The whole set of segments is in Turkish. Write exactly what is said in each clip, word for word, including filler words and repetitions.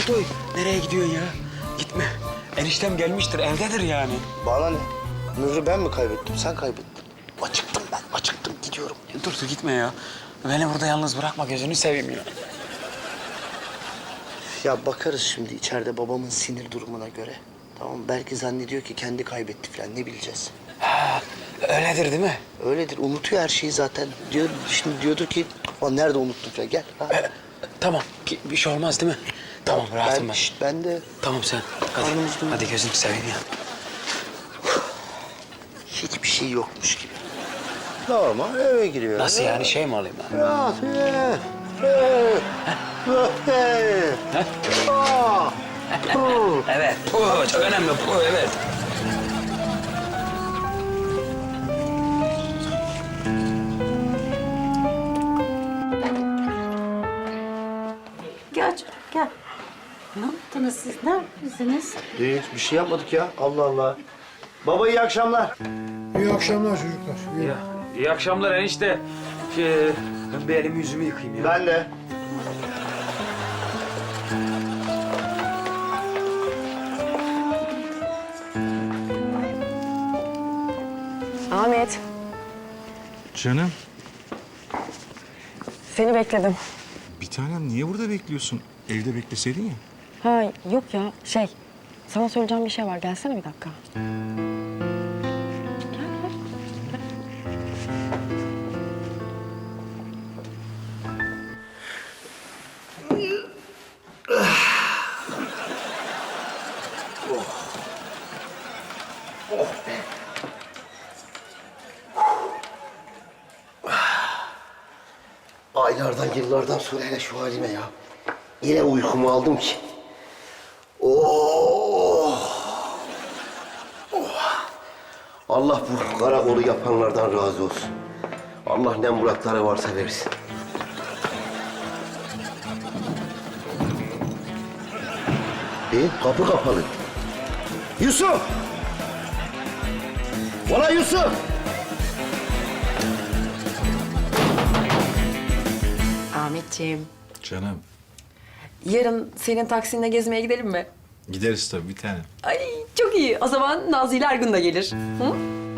Kutoy, nereye gidiyorsun ya? Gitme. Eniştem gelmiştir, evdedir yani. Bana ne? Mührü ben mi kaybettim, sen kaybettin. Acıktım ben, acıktım. Gidiyorum. Dur dur gitme ya. Beni burada yalnız bırakma, gözünü seveyim ya. Ya bakarız şimdi içeride babamın sinir durumuna göre. Tamam mı? Belki zannediyor ki kendi kaybetti falan, ne bileceğiz. Ha, öyledir değil mi? Öyledir, unutuyor her şeyi zaten. Diyor, şimdi diyordur ki, "Aa, nerede unuttum falan, gel. Ha. Ee, tamam, ki- bir şey olmaz değil mi? Tamam, rahatım ben, ben. şişt, ben de Tamam sen, hadi. Karnımız doydu. Hadi gözünü seveyim ya. hiçbir şey yokmuş gibi. Normal eve giriyor. Nasıl yani, şey mi alayım ben? Ya, eh, eh, eh, ah, huh. Evet, bu çok önemli, bu evet. Gel canım, gel. Ne yaptınız siz? Ne yapıyorsunuz? Hiç bir şey yapmadık ya. Allah Allah. Baba iyi akşamlar. İyi akşamlar çocuklar. İyi. Ya, iyi akşamlar enişte. Şey, ben bir elimi yüzümü yıkayayım ya. Ben de. Ahmet, Canım, seni bekledim. bir tanem niye burada bekliyorsun? Evde bekleseydin ya. Ha yok ya, şey, sana söyleyeceğim bir şey var. Gelsene bir dakika. Gel, gel. Aylardan, yıllardan sonra hele şu halime ya. Yine uykumu aldım ki. Oh! Oh! Allah bu karakolu yapanlardan razı olsun. Allah ne muratları varsa versin. E, kapı kapalı. Yusuf! Valla Yusuf! Ahmetciğim, Canım, yarın senin Taksim'de gezmeye gidelim mi? gideriz tabii bir tanem. Ay çok iyi. O zaman Nazlı ile Ergun da gelir. Hı?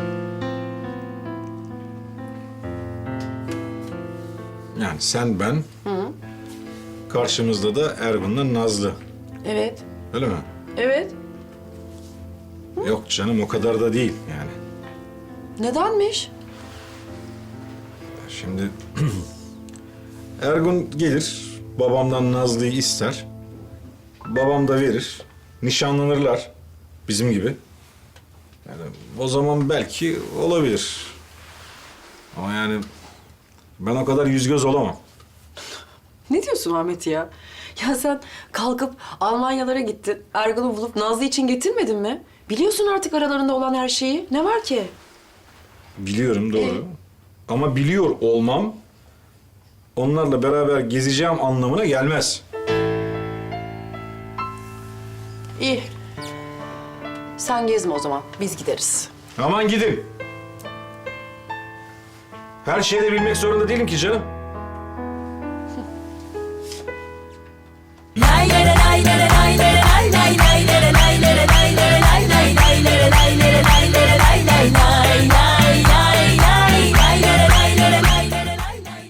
Yani sen, ben, karşımızda da Ergun'la Nazlı. Evet, Öyle mi? evet. Yok canım, o kadar da değil yani. Nedenmiş? Şimdi Ergun gelir, babamdan Nazlı'yı ister. Babam da verir, nişanlanırlar bizim gibi. Yani o zaman belki olabilir. Ama yani ben o kadar yüz göz olamam. Ne diyorsun Ahmet ya? Ya sen kalkıp Almanyalara gittin. Ergun'u bulup Nazlı için getirmedin mi? Biliyorsun artık aralarında olan her şeyi. Ne var ki? Biliyorum, doğru. Ama biliyor olmam onlarla beraber gezeceğim anlamına gelmez. İyi. Sen gezme o zaman. Biz gideriz. Aman gidin. Her şeyi de bilmek zorunda değilim ki canım.